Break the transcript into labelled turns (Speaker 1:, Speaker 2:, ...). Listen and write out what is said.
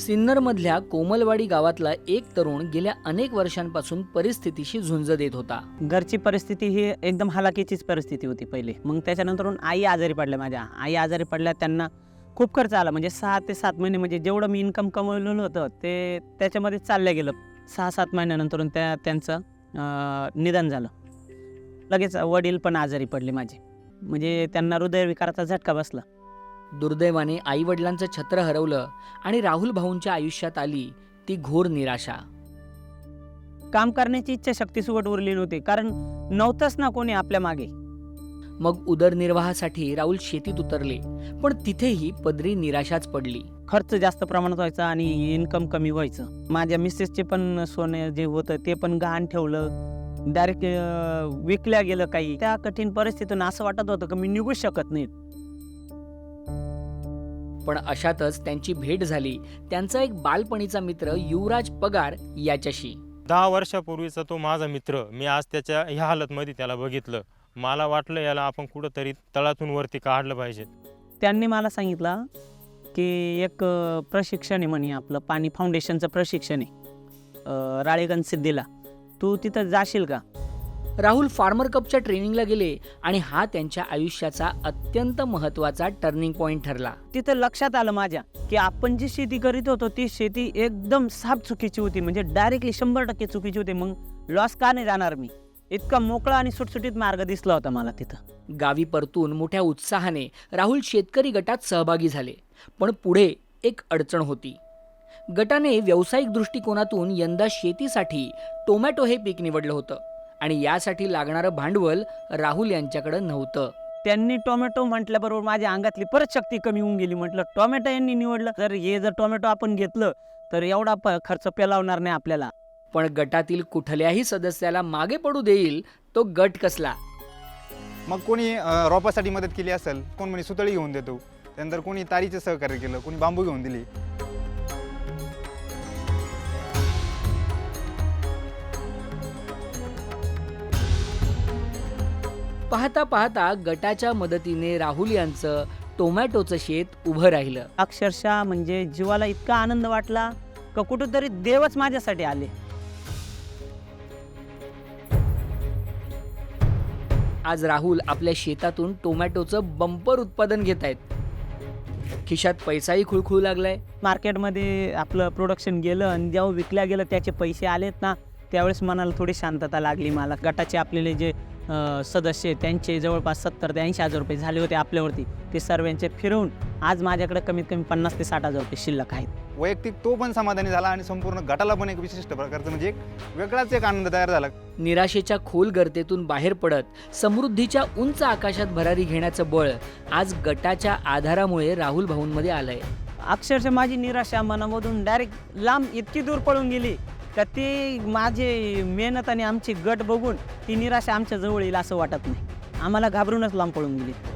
Speaker 1: सिन्नरमधल्या कोमलवाडी गावातला एक तरुण गेल्या अनेक वर्षांपासून परिस्थितीशी झुंज देत होता.
Speaker 2: घरची परिस्थिती ही एकदम हलाखीचीच परिस्थिती होती पहिले. मग त्याच्यानंतरून आई आजारी पडल्या. माझ्या आई आजारी पडल्या, त्यांना खूप खर्च आला. म्हणजे 6 ते 7 महिने म्हणजे जेवढं मी इन्कम कमवलेलं होतं ते त्याच्यामध्ये चाललं गेलं. 6-7 महिन्यानंतरून त्यांचं निधन झालं. लगेच वडील पण आजारी पडले माझे. म्हणजे त्यांना हृदयविकाराचा झटका बसला.
Speaker 1: दुर्दैवाने आईवडिलांचं छत्र हरवलं आणि राहुल भाऊंच्या आयुष्यात आली ती घोर निराशा.
Speaker 2: काम करण्याची इच्छाशक्ती सुगट उरली नव्हती, कारण नव्हतंच ना कोणी आपल्या मागे.
Speaker 1: मग उदरनिर्वाहासाठी राहुल शेतीत उतरले, पण तिथेही पदरी निराशाच पडली.
Speaker 2: खर्च जास्त प्रमाणात व्हायचा आणि इन्कम कमी व्हायचं. माझ्या मिसेसचे पण सोने जे होतं ते पण गहाण ठेवलं, डायरेक्ट विकल्या गेलं काही. त्या कठीण परिस्थितीतून असं वाटत होतं की मी निघू शकत नाही.
Speaker 1: पण अशातच त्यांची भेट झाली त्यांचा एक बालपणीचा मित्र युवराज पगार याच्याशी.
Speaker 3: 10 वर्षापूर्वीचा तो माझा मित्र. मी आज त्याच्या ह्या हालतमध्ये त्याला बघितलं. मला वाटलं याला आपण कुठंतरी तळातून वरती काढलं पाहिजे.
Speaker 2: त्यांनी मला सांगितलं की एक प्रशिक्षण आहे म्हणे, आपलं पाणी फाउंडेशनचं प्रशिक्षण आहे राळेगण सिद्धीला, तू तिथं जाशील का?
Speaker 1: राहुल फार्मर कपच्या ट्रेनिंगला गेले आणि हा त्यांच्या आयुष्याचा अत्यंत महत्त्वाचा टर्निंग पॉइंट ठरला.
Speaker 2: तिथं लक्षात आलं माझ्या की आपण जी शेती करीत होतो ती शेती एकदम साफ चुकीची होती. म्हणजे डायरेक्टली 100% चुकीची होती. मग लॉस का नाही जाणार मी? इतका मोकळा आणि सुटसुटीत मार्ग दिसला होता मला तिथं.
Speaker 1: गावी परतून मोठ्या उत्साहाने राहुल शेतकरी गटात सहभागी झाले. पण पुढे एक अडचण होती. गटाने व्यावसायिक दृष्टिकोनातून यंदा शेतीसाठी टोमॅटो हे पीक निवडलं होतं आणि यासाठी लागणारं भांडवल राहुल यांच्याकडे नव्हतं.
Speaker 2: त्यांनी टोमॅटो म्हटल्याबरोबर माझ्या अंगातली परत शक्ती कमी होऊन गेली. म्हटलं टोमॅटो यांनी निवडलं, जर टोमॅटो आपण घेतलं तर एवढा खर्च पेलावणार नाही आपल्याला.
Speaker 1: पण गटातील कुठल्याही सदस्याला मागे पडू देईल तो गट कसला.
Speaker 4: मग कोणी रोपासाठी मदत केली असेल, कोण म्हणे सुतळी घेऊन देतो, त्यानंतर कोणी तारीचे सहकार्य केलं, कोणी बांबू घेऊन दिली.
Speaker 1: पाहता पाहता गटाच्या मदतीने राहुल यांचं टोमॅटोचं शेत उभं राहिलं.
Speaker 2: अक्षरशः म्हणजे जीवाला इतका आनंद वाटला का कुठेतरी देवच माझ्यासाठी आले.
Speaker 1: आज राहुल आपल्या शेतातून टोमॅटोचं बंपर उत्पादन घेत आहेत. खिशात पैसाही खुळखुळू लागलाय.
Speaker 2: मार्केटमध्ये आपलं प्रोडक्शन गेलं आणि जेव्हा विकल्या गेलं त्याचे पैसे आलेत ना, त्यावेळेस मनाला थोडी शांतता लागली मला. गटाचे आपलेले जे सदस्य त्यांचे जवळपास 70 ते 80 हजार रुपये झाले होते आपल्यावरती, ते सर्वांचे फिरवून आज माझ्याकडे कमीत कमी 50 ते 60 हजार रुपये शिल्लक आहेत.
Speaker 4: वैयक्तिक तो पण समाधानी झाला आणि संपूर्ण गटाला पण एक विशिष्ट प्रकारचं म्हणजे एक वेगळाच एक आनंद तयार झाला.
Speaker 1: निराशेच्या खोल गर्तेतून बाहेर पडत समृद्धीच्या उंच आकाशात भरारी घेण्याचं बळ आज गटाच्या आधारामुळे राहुल भाऊंमध्ये आलंय.
Speaker 2: अक्षरशः माझी निराशा मनामधून डायरेक्ट लांब इतकी दूर पळून गेली का ती माझी मेहनत आणि आमची गट बघून ती निराशा आमच्या जवळ येईल असं वाटत नाही. आम्हाला घाबरूनच लांब पळून गेली.